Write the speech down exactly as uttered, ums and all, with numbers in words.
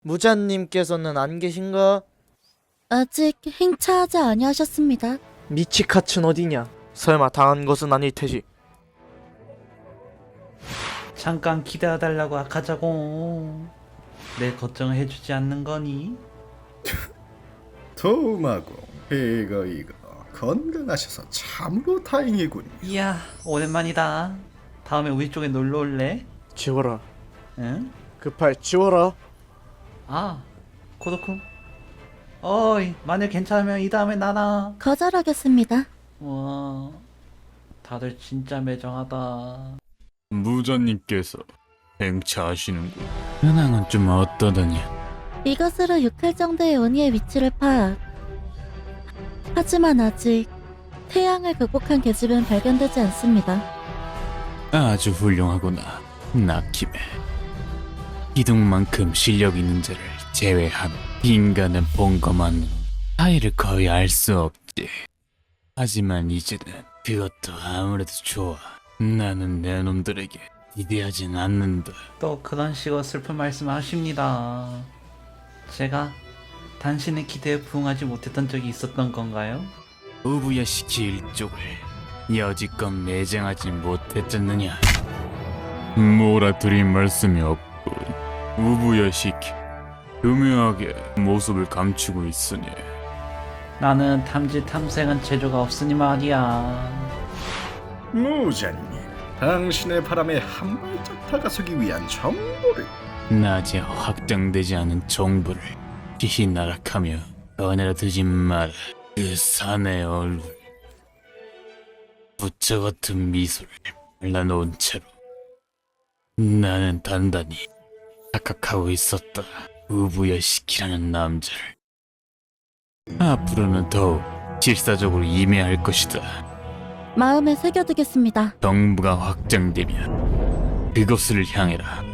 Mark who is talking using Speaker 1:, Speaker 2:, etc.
Speaker 1: 무자님께서는 안 계신가?
Speaker 2: 아직 행차하지 아니하셨습니다.
Speaker 1: 미치카츠는 어디냐? 설마 당한 것은 아닐 테지.
Speaker 3: 잠깐 기다려달라고 하자고. 내 걱정을 해주지 않는 거니?
Speaker 4: 도마고 이거 이거 건강하셔서 참으로 다행이군.
Speaker 3: 이야, 오랜만이다. 다음에 우리 쪽에 놀러 올래?
Speaker 1: 지워라.
Speaker 3: 응?
Speaker 1: 그 팔 지워라.
Speaker 3: 아, 코도쿠. 어이, 만일 괜찮으면 이 다음에 나나.
Speaker 2: 거절하겠습니다.
Speaker 3: 와, 다들 진짜 매정하다.
Speaker 5: 무자님께서 행차하시는군. 현황은 좀 어떠더냐?
Speaker 2: 이것으로 육할 정도의 원희의 위치를 파악. 하지만 아직 태양을 극복한 계집은 발견되지 않습니다.
Speaker 5: 아주 훌륭하구나, 나키메. 기둥만큼 실력 있는 자를 제외하면 인간은 본 것만으로 차이를 거의 알 수 없지. 하지만 이제는 그것도 아무래도 좋아. 나는 내 놈들에게 기대하진 않는다.
Speaker 3: 또 그런 식으로 슬픈 말씀 하십니다. 제가 당신의 기대에 부응하지 못했던 적이 있었던 건가요?
Speaker 5: 우부야시키 일족을 여지껏 매장하지 못했잖느냐. 뭐라 드릴 말씀이 없군. 우부야시키 교묘하게 모습을 감추고 있으니.
Speaker 3: 나는 탐지 탐색은 재주가 없으니 말이야.
Speaker 4: 무자님, 당신의 바람에 한 발짝 다가서기 위한 정보를.
Speaker 5: 낮에 확장되지 않은 정보를 피히 나락하며 꺼내라 드지 마라. 그 사내 얼굴, 부처 같은 미소를 발라놓은 채로 나는 단단히 착각하고 있었다. 우부야시키라는 남자를. 앞으로는 더욱 실사적으로 임해할 것이다.
Speaker 2: 마음에 새겨두겠습니다.
Speaker 5: 정부가 확장되면 그것을 향해라.